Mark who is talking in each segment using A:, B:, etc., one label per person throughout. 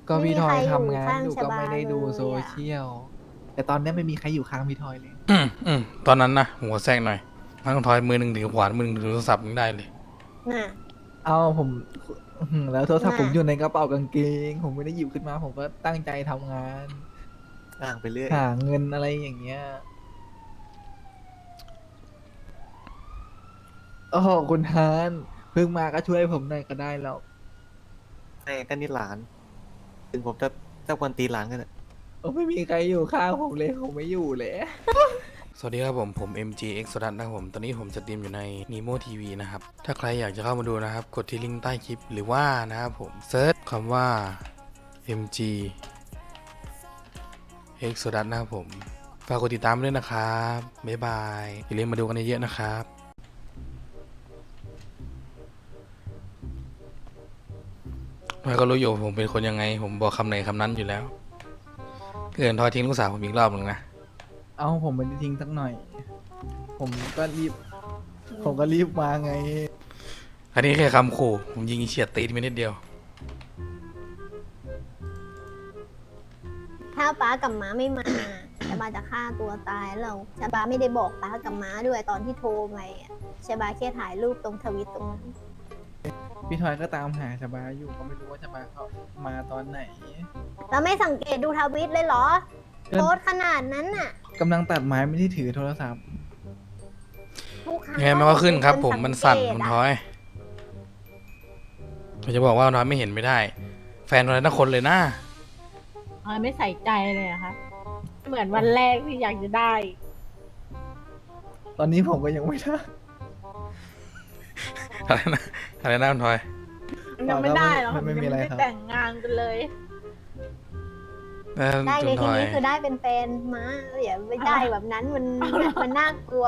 A: ก็
B: ไม่มี
A: พี่ทอย
B: ใครอยู่
A: ทำงาน
B: ข้าง
A: อยู่ก็
B: ชบาเล
A: ไม่ได้ดูโซ
B: ยอ่ะ
A: เชียลแต่ตอนนี้ไม่มีใครอยู่ข้างพี่ทอยเลย
C: ตอนนั้นนะผมขอแทรกหน่อยนั่งทอยมือหนึ่งถือขวานมือหนึ่งถือโทรศัพท์ยังได้เลย
B: น่ะ
A: เอาผมแล้วโทรศัพท์ผ
B: น่ะ
A: มอยู่ในกระเป๋ากางเกงผมไม่ได้หยิบขึ้นมาผมก็ตั้งใจทำงาน
D: อ้างไปเรื่อย
A: หาเงินอะไรอย่างเงี้ยโอ้โหคุณฮานเพิ่งมาก็ช่วยผมหน่อยก็ได้แล้ว
D: ไอ้กันนี่หลาน ถึงผมจะกวนตีหลานกันอะ
A: โอ้ไม่มีใครอยู่ข้างผมเลยผมไม่อยู่เลย
C: สวัสดีครับผม MGX สดันนะครับผมตอนนี้ผมสตรีมอยู่ใน Nemo TV นะครับถ้าใครอยากจะเข้ามาดูนะครับกดที่ลิงก์ใต้คลิปหรือว่านะครับผมเซิร์ชคำว่า MGX สดันนะครับผมฝากกดติดตามด้วยนะครับบ๊ายบายอย่าลืมมาดูกันเยอะๆนะครับทอยก็รู้อยู่ผมเป็นคนยังไงผมบอกคำไหนคำนั้นอยู่แล้วเกินทอยทิ้งลูกสาวผมอีกรอบหนึ่งนะ
A: เอาผมไม่ได้ทิ้งสักหน่อย ผมก็รีบ ผมก็รีบมาไง
C: อันนี้แค่คำขู่ผมยิงเฉียดตีนไปนิดเดียว
B: ถ้าป้ากับม้าไม่มาชบาจะฆ่าตัวตายแล้วชบาไม่ได้บอกป้ากับม้าด้วยตอนที่โทรไปอ่ะชบาแค่ถ่ายรูปตรงทวิตตรงนั้น
A: พี่ทอยก็ตามหาชบาอยู่ก็ไม่รู้ว่าชบาเขามาตอนไหน
B: แล้วไม่สังเกตดูทวิตเลยเหรอ
A: ก็
B: โพสต์ขนาดนั้นน่ะ
A: กำลังตัดไม้ไม่ได้ถือโทรศัพท์
B: ทุกครั้ง
C: ยังไงมันก็ขึ้นครับผม
B: สัง
C: มันสั่น
B: เกต
C: คุณ
B: อะ
C: ทอยผมจะบอกว่าทอยไม่เห็นไม่ได้ แฟนทอยนักคนเลยนะ
E: ไม่ใส่ใจเลยอะคะเหมือนวันแรกที่อยากจะได้
A: ตอนนี้ผมก็ยังไม่ได้
C: อะไรนะอะไรนะคุณทอย
E: ยังไม่ได้หรอก
A: ไม่มีอะไร
E: ยัง
A: ครับ
E: ไม่แต่งงานกันเลย
B: ได้
C: คุ
B: ใน
C: ณท
B: ที่
C: อย
B: นี้คือได้เป็นแฟนม้าอย่าไปได้แบบนั้นมันน่ากลัว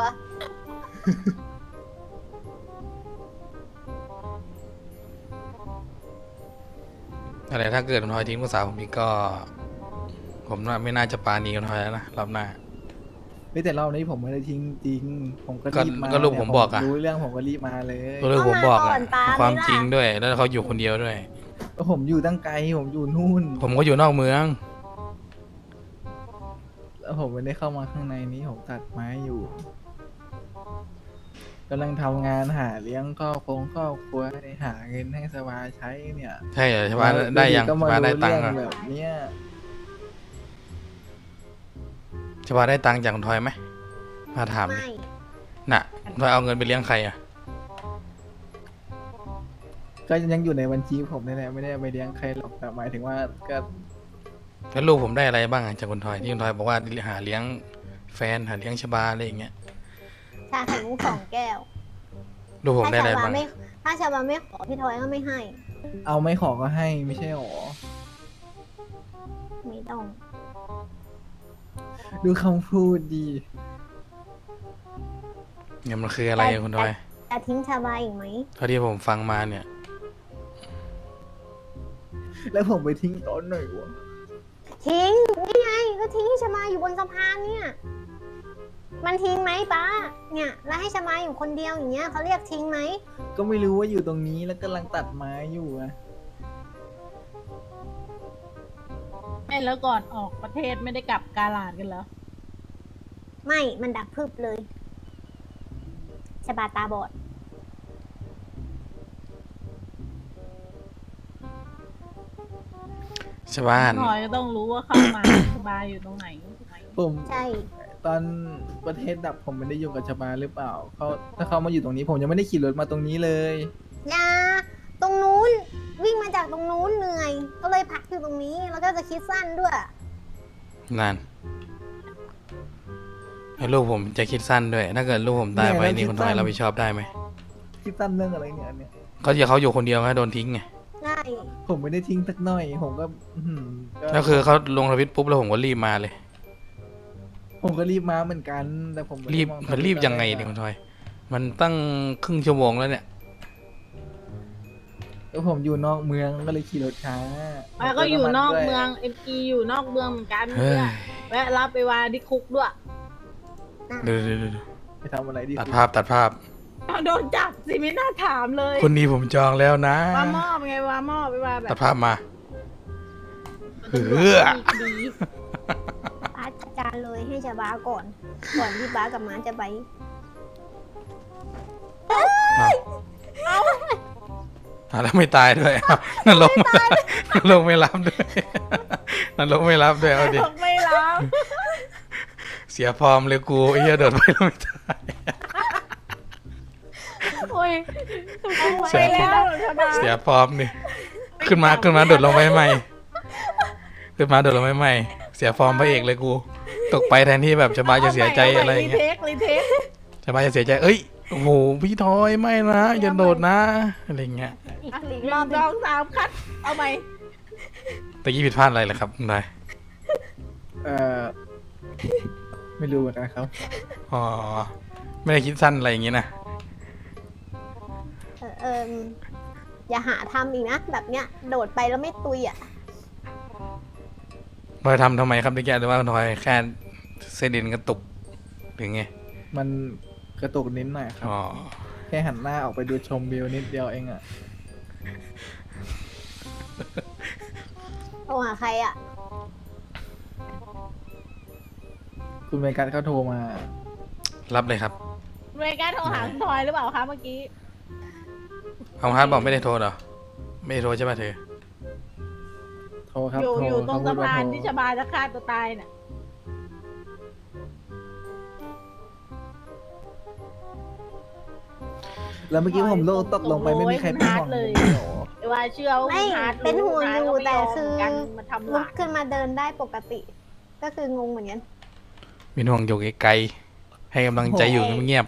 C: อะไรถ้าเกิดคุณทอยทิ้งลูกสาวผมอีกก็ ผมว่าไม่น่าจะปาณีคุณทอยแล้วนะรอบหน้า
A: เฮ้ยแต่รอบนี้ผมไม่ได้ทิ้งจริง ผมก็
C: ก็
A: รีบมา
C: ก็ลูกผมบอกอะ
A: รู้เรื่องผมก็รีบมาเลย
C: ก็เลยผมบอก
B: ก็มาก่
C: อะ
B: อนปา
C: ความ
B: ไหมล่ะ
C: จริงด้วย แล้วเขาอยู่คนเดียวด้วย
A: ผมอยู่ตั้งไกลผมอยู่นู่น
C: ผมก็อยู่นอกเมือง
A: แล้วผมไม่ได้เข้ามาข้างในนี้ผมตัดไม้อยู่กำลังทำงานหาเลี้ยงครอบครัวหาเงินให้สบายใช้เนี่ย
C: ใช่เหรอใช่ปะได้ยัง
A: ก็
C: ใช่
A: มา
C: ปะได้
A: รู้
C: ตัง
A: เรื่อ
C: ค์
A: ง
C: อะ
A: แบบเนี้ย
C: ใช่ปะได้ตังค์จากคุณทอยไหมมาถามดิ
B: ไม่
C: น่ะคุณทอยเอาเงินไปเลี้ยงใครอะ
A: ก็ยังอยู่ในบัญชีผมนี่แหละไม่ได้เอาไปเลี้ยงใครหรอกแต่หมายถึงว่าก็
C: แล้วลูกผมได้อะไรบ้างอะจากคุณทอยที่คุณทอยบอกว่าหาเลี้ยงแฟนหาเลี้ยงชบาอะไรอย่างเงี้ย
B: ชาไข่มุก2 แก้ว
C: ลูกผมได้
B: ถ้า
C: อะไร
B: ชาบา
C: บ้าง
B: ไม่ถ้าชาบาไม่ขอพี่ทอยก็ไม่ให้
A: เอาไม่ขอก็ให้ไม่ใช่หรอ
B: ไม่ต้อง
A: ดูคำพูดดี
C: เงี้ยมันคืออะไรอะคุณทอย
B: จะทิ้งชาบาอีกไหม
C: เท่าที่ผมฟังมาเนี่ย
A: แล้วผมไปทิ้งตอนไหนวะ
B: ทิ้งนี่ไงก็ทิ้งให้ชาบาอยู่บนสะพานเนี่ย มันทิ้งไหมป้าเนี่ยแล้วให้ชาบาอยู่คนเดียวอย่างเงี้ยเขาเรียกทิ้งไหม
A: ก็ไม่รู้ว่าอยู่ตรงนี้แล้วกำลังตัดไม้อยู่อะ
E: ไม่แล้วก่อนออกประเทศไม่ได้กลับกาลาดกันเหรอ
B: ไม่มันดับพึบเลยชาบาตาบอด
C: ชบ้าน
E: พลอยก็ต้องรู้ว่าเข้ามา สบายอยู่ตรงไหนถูกไหม
A: ผม
B: ใช่
A: ตอนประเทศดับผมไม่ได้อยู่กับชบาหรือเปล่าเขาถ้าเขามาอยู่ตรงนี้ผมยังไม่ได้ขี่รถมาตรงนี้เลย
B: ยาตรงนู้นวิ่งมาจากตรงนู้นเหนื่อย ก็เลยพักอยู่ตรงนี้แล้วก็จะคิดสั้นด้วย
C: นั่นให้ลูกผมจะคิดสั้นด้วย ถ้าเกิดลูกผมตายไปนี่คุณทอยรับผิดชอบได้ไหม
A: คิดสั้นเรื่องอะไรเนี่ยอันเนี่ย
C: เขาจะเขาอยู่คนเดียวก็โดนทิ้งไง
B: ใช่
A: ผมไม่ได้ทิ้งสักหน่อย ผมก็อื้อหือ
C: แล้วคือเขาลงทวิตปุ๊บแล้วผมก็รีบมาเลย
A: ผมก็รีบมาเหมือนกัน แต่ผมไได้
C: รีบ
A: มอง
C: มันรีบยังไงเนี่ยคุณทอย มันตั้งครึ่งชั่วโมงแล้วเนี่ย
A: แล้วผมอยู่นอกเมืองก็เลยขี่รถช้า
E: ป้าก็อยู่นอก
A: ด้วย
E: เมืองเอ็มอีอยู่นอกเมืองเหมือนกัน
C: เฮ้ย
E: เนี่ยแวะรับไปวาที่คุกด้วย
C: ดู
A: ไปทำอะไรดี
C: ตัดภาพตัดภาพ
E: เอาโดนจับสิไม่น่าถามเลย
C: คนนี้ผมจองแล้วนะ
E: ว่ามอบไงว่ามอบไปว่าแบ
C: ตั
E: บ
C: ดภาพมา
E: ตำรวจ
C: เออ
E: มีคดี
B: ป้าจัดการเลยให้ชาบาก่อนที่ป้ากับม้าจะไป
C: แล้วไม่ตายด้วยอ้าวนั่นลงนั่นลงไม่รับด้วยนั่นลงไม่รับด้วยเอาดิ
E: ไม่รับ
C: เสียฟอร์มเลยกูไอ้เหี้ยโดดไปแล้วไม่ตาย
E: โอ้ย
C: เสี
E: ไป
C: ย
E: แล้วชบา
C: เสียฟอร์มนี่ขึ้นมาโดดลงไปใหม่ขึ้นมาโดดลงไปใหม่เสียฟอร์มพระเอกเลยกู ตกไปแทนที่แบบชบาจะเสียใจอะไรอย่างเงี้ย
E: รีเทค
C: ชบาจะเสียใจเอ้ยโอ้โหพี่ทอยไม่นะอย่าโดดนะอะไรอย่างเงี้ย
B: อีก
E: อ่ะ
B: อีก
E: ห
B: ร
E: นึ่
B: อบ
E: ง
B: หนึ่
E: ส
B: ง
E: องสามคัดเอาใหม่
C: ตะกี้ผิดพลาดอะไรเหรอครับคุณนาย
A: เออไม่รู้เหมือนกันครับ
C: อ๋อไม่ได้คิดสั้นอะไรอย่างงี้นะ
B: อย่าหาทำอีกนะแบบเนี้ยโดดไปแล้วไม่ตุยอ่ะ
C: ทอยทำไมครับตะกี้หรือว่าทอยแค่เซดินกระตุกหรือไง
A: มันกระตุกนิดหน่อยครับ
C: อ๋อ
A: แค่หันหน้าออกไปดูชมวิวนิดเดียวเองอ่ะ
B: โทรหาใครอ่ะ
A: คุณเมกันเขาโทรมา
C: รับเลยครับ
E: เมย์โทรหาคุณทอยหรือเปล่าคะเมื่อกี้
C: เอาฮาร์ดบอกไม่ได้โทรเหรอไม่ได้โทรใช่ป่ะเธอ
A: โทรครับ
E: อยู่
A: โทร
E: อยู่ตรง
A: เข
E: สะ
A: พูดว่
E: พาน
A: โทร
E: ที่ชบาจะฆ่าตัวตายน่ะ
A: แล้วเมื่อกี้ผมโลตกลงไปไม่มีใครเป็นห่วงผมเลยเหรอ
E: ไอ้ว่าเชื่อว่า
B: ไม่
E: คุณฮาร์ด
B: เป็นห่วงอยู่
E: คุณฮาร์ดก็ไม่
B: แต่คือ
E: มกันมาทำห
B: ลุ
E: ลาก น
B: ขึ้นมาเดินได้ปกติ ก็คืองงเหมือนกัน
C: มีห่วงอยู่ไกลๆให้กำลังใจอยู่เงียบ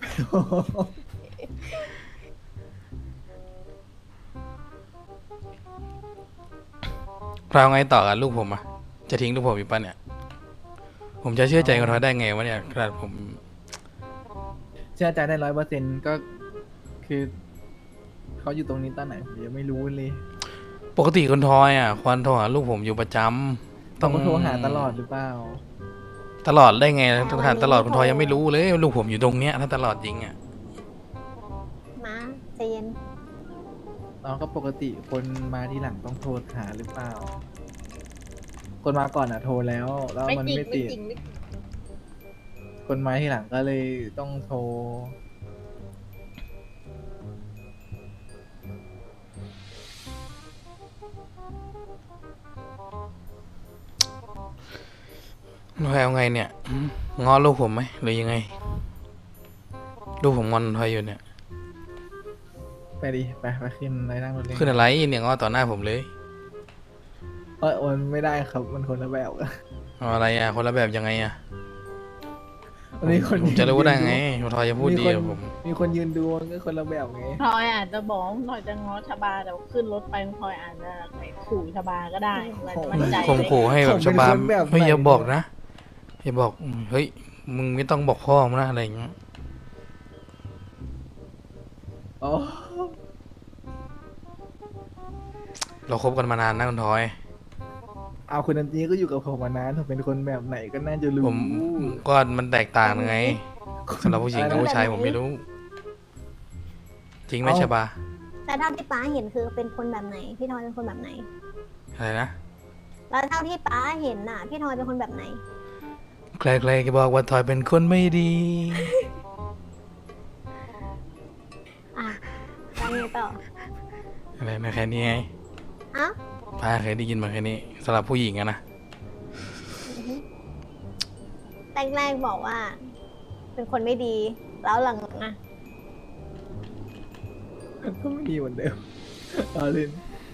C: ๆเราไงต่อกับลูกผมอ่ะจะทิ้งลูกผมอีกป่ะเนี่ย ผมจะเชื่อใจคนเขาได้ไงวะเนี่ยขนาดผม
A: เชื่อใจได้100%ก็คือเขาอยู่ตรงนี้ตอนไหนผมยังไม่รู้เลย
C: ปกติคนทอยอ่ะควรโทรหาลูกผมอยู่ประจำ
A: ต้องโทรหาตลอดหรือเปล่า
C: ตลอดได้ไงต้องถามตลอดคนทอยยังไม่รู้เลยว่าลูกผมอยู่ตรงเนี้ยถ้าตลอดจริงอ่ะ
B: ม้าใจเย็น
A: น้องก็ปกติคนมาที่หลังต้องโทรหาหรือเปล่า คนมาก่อนอ่ะโทรแล้ว
E: ไม่
A: มัน
E: จริง
A: ไม่
E: ไม่
A: ติด
E: จริงไม่จริง
A: คนมาที่หลังก็เลยต้องโทร
C: ทอยเอาไงเนี่ยง้อลูกผมไหมหรือยังไง ลูกผมงอนทอยอยู่เนี่ย
A: ไปดิไปขึ้นไปนั่งรถเล่น
C: ขึ้นอะไรเนี่ยง้อต่อหน้าผมเลย
A: มันไม่ได้ครับมันคนละแบบ
C: เอาอะไรอ่ะคนละแบบยังไงอ่ะ
A: มันมีคน
C: ผมจะรู้ได้ไงทอยจะพูด
A: มี
C: ดี
A: คน
C: กับผม
A: มีคนยืนดูมันก็คนละแบบไง
E: ทอยอาจจะบอกว่าทอยจะง้อชบาแต่ว่าขึ้นรถไปทอยอาจจะไปขู่ชบาก็ได้มันมั่นใจ
C: ข่มขู่ให้แบบชาวบ้านเฮ้ยอย่าบอกนะอย่าบอกเฮ้ยมึงไม่ต้องบอกพ่อมึงนะอะไรอย่างเงี้ย
A: อ๋อ
C: เราคบกันมานานนะคุณทอย
A: เอาคนนั้นนี้ก็อยู่กับผมมานานผมเป็นคนแบบไหนก็น่าจะรู้
C: ผมก็มันแตกต่างไงสำหรับผู้หญิงกับผู้ชายผมไม่รู้ จริงไหมชบา
B: แล้วเท่าที่ป้าเห็นคือเป็นคนแบบไหน พี่ทอยเป็นคนแบบไหน
C: อะไรนะ
B: แล้วเท่าที่ป้าเห็นน่ะ พี่ทอยเป็นคนแบบไหน
C: ใครๆก็บอกว่าทอยเป็นคนไม่ดี
B: อ่ะแล้วไงต่อ
C: อะไรนะแค่นี้ไง
B: เอ้า
C: ป้าเคยได้ยินมาแค่นี้สำหรับผู้หญิงอะนะ
B: แรกๆบอกว่า เป็นคนไม่ดี แล้วหลังๆอ่ะ
A: ก็ไม่ดีเหมือนเดิมเอาเล่น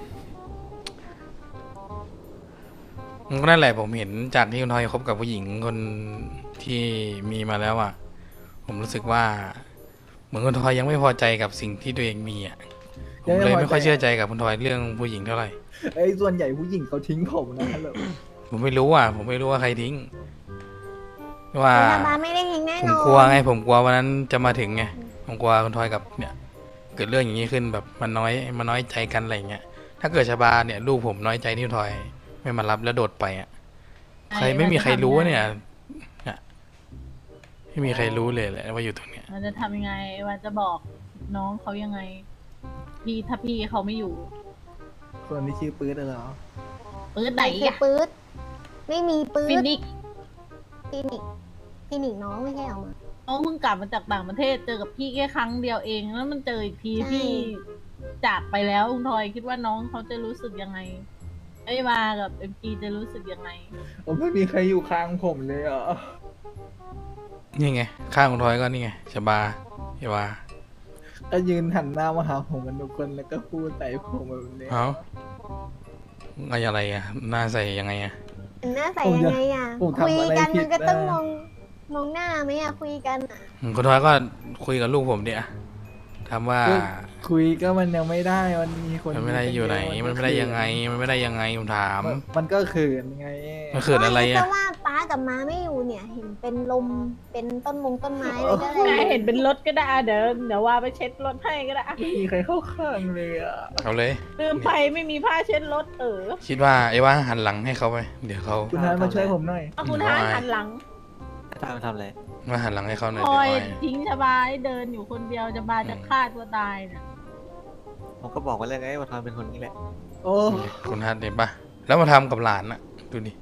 C: ก็นั่นแหละผมเห็นจากที่คุณทอยคบกับผู้หญิงคนที่มีมาแล้วอ่ะผมรู้สึกว่า เหมือนคุณทอยยังไม่พอใจกับสิ่งที่ตัวเองมีอ่ะผมเลยไม่ค่อยเชื่อใจกับคุณทอยเรื่องผู้หญิงเท่าไหร่
A: ไอ้ส่วนใหญ่ผู้หญิงเขาทิ้งผมนะฮัลโหล
C: ผมไม่รู้อ่ะผมไม่รู้ว่าใครทิ้งว่า
B: ชบาไม่ได้ทิ้งแน่
C: ผ
B: น
C: ม
B: อน
C: กลัวไงผมกลัววันนั้นจะมาถึงไงผมกลัวคุณทอยกับเนี่ย เกิดเรื่องอย่างนี้ขึ้นแบบมันน้อยใจกันอะไรเงี้ยถ้าเกิดชบาเนี่ยลูกผมน้อยใจที่คุณทอย ไม่มารับแล้วโดดไปอ่ะใครไม่มีใครรู้เนี่ยไม่มีใครรู้เลยแหละว่าอยู่ตรงเนี้ย
E: มันจะทำยังไงว่าจะบอกน้องเขายังไงพี่ถ้าพี่เขาไม่อยู่
A: คนที่ชื่อปื๊ดเหรอ
E: ปืนไหน
B: คือ
E: อะ
B: ปื๊ดไม่มีปื๊
E: ฟิ
B: ด
E: นิก
B: ฟินิกฟินิกน้องไม่ใช่เหรอมา
E: น้องเพิ่งกลับมาจากต่างประเทศเจอกับพี่แค่ครั้งเดียวเองแล้วมันเจออีกที
B: ใช่
E: พี่จากไปแล้วคุณทอยคิดว่าน้องเขาจะรู้สึกยังไงไอ้มากับเอ็มจีจะรู้สึกยังไง
A: ผมไม่มีใครอยู่ข้างผมเลยอ่ะ
C: นี่ไง ข้างคุณทอยก็นี่ไงชบาเอวา
A: ก็ยืนหันหน้ามาหาผมกันทุกคนแล้วก็พูดใส่ผมแบบนี้
C: เอ้าอะไรอะหน้าใส่ยังไงอะ
B: หน้าใส่ยังไงอ่ะ
A: ผมทำ
B: คุย
A: อะไร
B: กัน
A: ผิ
B: มั
A: ด
B: นก็ต้อง
A: นะ
B: มองหน้าไหมอ่ะคุยกันอ่ะ
C: คุณทอยก็คุยกับลูกผมเนี่ยถามว่า
A: ก็คุยก็มันยังไม่ได้มันมีคน
C: มันไม่ได้อยู่ไหน มันไม่ได้ยังไง มันไม่ได้ยังไงผมถาม
A: มันก็เขินไง
C: มันเขินอะไร
B: ก็
C: อะ
B: ว่าป้ากับม้าไม่อยู่เนี่ย เห็นเป็นลมเป็นต้นต้นไม้เลยก็เล
E: นาย
B: ย
E: เห็นเป็นรถก็ได้เดี๋ยวว่าไปเช็ดรถให้ก็ได้
A: ไม่มีใครเข้าข้างเลยอ่ะ
C: เอาเลย
E: ลืมไปไม่มีผ้าเช็ดรถ
C: คิดว่าไอ้ว่าหันหลังให้เขาไป เดี๋ยวเขา
A: คุณทานมาช่วยผมหน่อย
E: เอาคุณทานหันหลัง
D: ทำอะไร
C: มาหันหลังให้เขาหน่อย
E: ค
C: เดี๋ยว
E: อย
C: เขา
E: ทิ้งชบาให้เดินอยู่คนเดียวชบาจะฆ่าตัวตายเนี่ย
D: ผมก็บอกไว้แล้วไงว่าทอยเป็นคนนี้แหละ
A: โอ้
C: คุณฮัทเห็นปะแล้วมาทำกับหลานอะดูดิ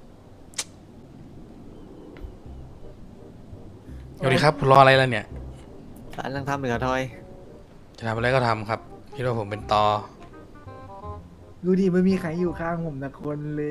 C: สวัสดีครับรออะไรล่ะเนี่ย
D: หลานยังทำอยู่กับทอย
C: จะทำอะไรก็ทำครับคิดว่าผมเป็นตอ
A: ดูดิไม่มีใครอยู่ข้างผมนะคนเลย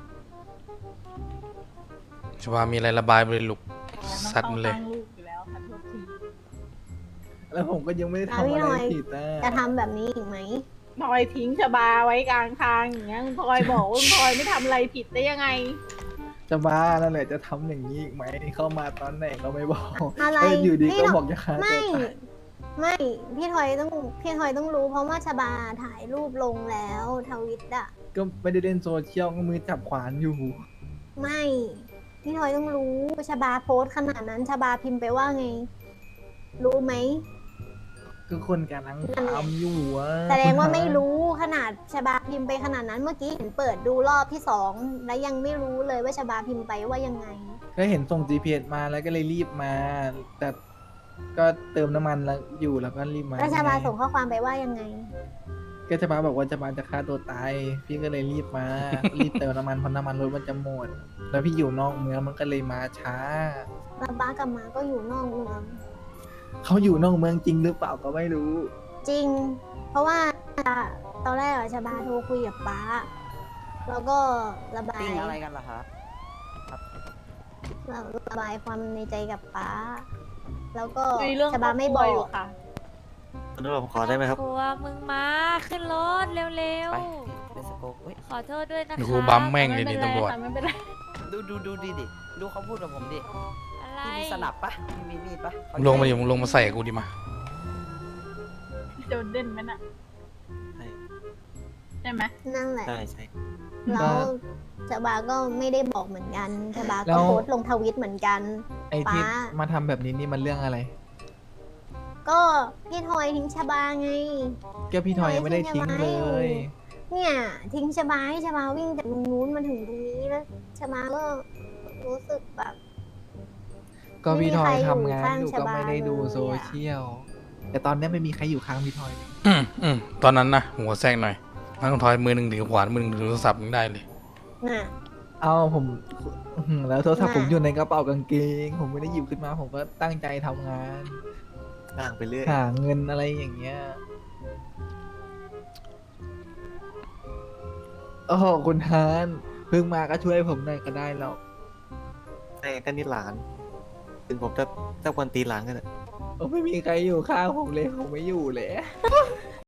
C: ชวามีอะไรระบายไปเลยลูก
E: ต้อง
C: สัตว์มันเลย
E: ตั้งลูกอยู่แล้วค่ะทุกที
A: แล้วผมก็ยังไม่ได้ทำอะไรผิดนะ
B: จะทำแบบนี้อีกไหม
E: ทอยทิ้งชบาไว้กลางทางอย่างเงี้ยคุณทอยบอกว่าคุณทอยไม่ทำอะไรผิดได้ยังไง
A: จะบ้านั่นแหละจะทำอย่างนี้อีกไหมเข้ามาตอนไหนก็ไม่บอก
B: อะไร
A: อยู่ดี
B: พี่
A: ก็
B: หร
A: บอกจะฆ่าตัว
B: ไม่
A: ตาย
B: ไม่พี่ทอยต้องรู้เพราะว่าชบาถ่ายรูปลงแล้วทวิตอ่ะ
A: ก็ไม่ได้เล่นโซเชียลก็มือจับขวานอยู่
B: ไม่พี่ทอยต้องรู้ชบาโพสต์ขนาดนั้นชบาพิมพ์ไปว่าไง รู้ไหม
A: ก็คนกำลังทำอยู่อะ
B: แสดงว่าไม่รู้ขนาดชบาพิมพ์ไปขนาดนั้นเมื่อกี้เห็นเปิดดูรอบที่สองแล้วยังไม่รู้เลยว่าชบาพิมพ์ไปว่ายังไง
A: ก็เห็นส่ง GPS มาแล้วก็เลยรีบมา แต่ก็เติมน้ำมันแล้วอยู่แล้วก็รีบมา
B: แล้วชบาส่งข้อความไปว่ายังไง
A: ก็จะมาบอกว่าจะมาจะฆ่าตัวตาย พี่ก็เลยรีบมา รีบเติมน้ำมันเพราะน้ำมันรถมันจะหมด แล้วพี่อยู่นอกเมืองมันก็เลยมาช้า
B: แล้วบ้ากับมาก็อยู่นอกเมือง
A: เขาอยู่นอกเมืองจริงหรือเปล่าก็ไม่รู้
B: จริง เพราะว่าตอนแรกอะชบาโทรคุยกับป้า แล้วก็ระบาย
F: ติ้งอะไรกันล่ะคะ
B: ระบายความในใจกับป้า แล้วก็
E: คุยเรื่อง
B: ชบาไม่บ
E: คร
B: อ
E: อบครัวอยู่
B: ก
E: ค่ะ
D: คุณตำรวจผมขอได้ไหมครับ
G: ครัวมึงมาขึ้นรถเร็ว
F: ไปเลสโกเฮ้ย
G: ๆ ขอโทษด้วยนะ
C: ดู
G: คะ
C: ครูบัมแม่งเลย
E: ไม่
C: นี่
E: เป็นไร
C: ตำรวจ
E: ค่ะไม่เป็นไร
F: ดูดิดูเขาพูดกับผมดิ
G: อะไร
F: พี่มีสนับปะพี่มีมีดปะ
C: มึงลงมาดิมึงลงมาใส่กูดิมา
E: โดนเด่นไหมน่ะ
D: ใช่
E: ใช่ไหม
B: นั่นแหละ
D: ใช่ใช่
B: แล้วชบาก็ไม่ได้บอกเหมือนกันชบา
A: แล้
B: ก็
A: ว
B: โพสต์ลงทวิตเหมือนกัน
A: ไอ้ที่
B: ป๊า
A: มาทำแบบนี้นี่มันเรื่องอะไร
B: ก็พี่ทอยทิ้งชบาไง
A: ก็พี่ทอยยังไม่ได้ทิ้งเลย
B: เนี่ยทิ้งชบาให้ชบาวิ่งจากตรงนู้นมาถึงตรงนี้แล้วชบาก็รู้สึกแบบ
A: ก็พี่ทอยทำงาน
B: ไม่มี
A: อยู่
B: ใครอยู่
A: ก็ไม่ได้ดู
B: ข้างชบาเลยอะ
A: โซเชียล แต่ตอนนี้ไม่มีใครอยู่ข้างพี่ทอยเลย
C: ตอนนั้นนะหัวแทรกหน่อยนั่งทอยมือหนึ่งถือขวานมือหนึ่งถือโทรศัพท์ยังได้เลย
B: น่ะ
A: เอาผมแล้วโทรศัพท์
B: น่ะ
A: ผมอยู่ในกระเป๋ากางเกง ผมไม่ได้หยิบขึ้นมา ผมก็ตั้งใจทำงาน
D: ต่างไปเรื่อย
A: หาเงินอะไรอย่างเงี้ย โอ้โหคุณฮานเพิ่งมาก็ช่วยผมหน่อยก็ได้แล้ว
D: ใช่ก็นี่หลาน ถึงผมจะกวนตีนหลานกันอะ
A: โอ้ไม่มีใครอยู่ข้างผมเลย ผมไม่อยู่เลย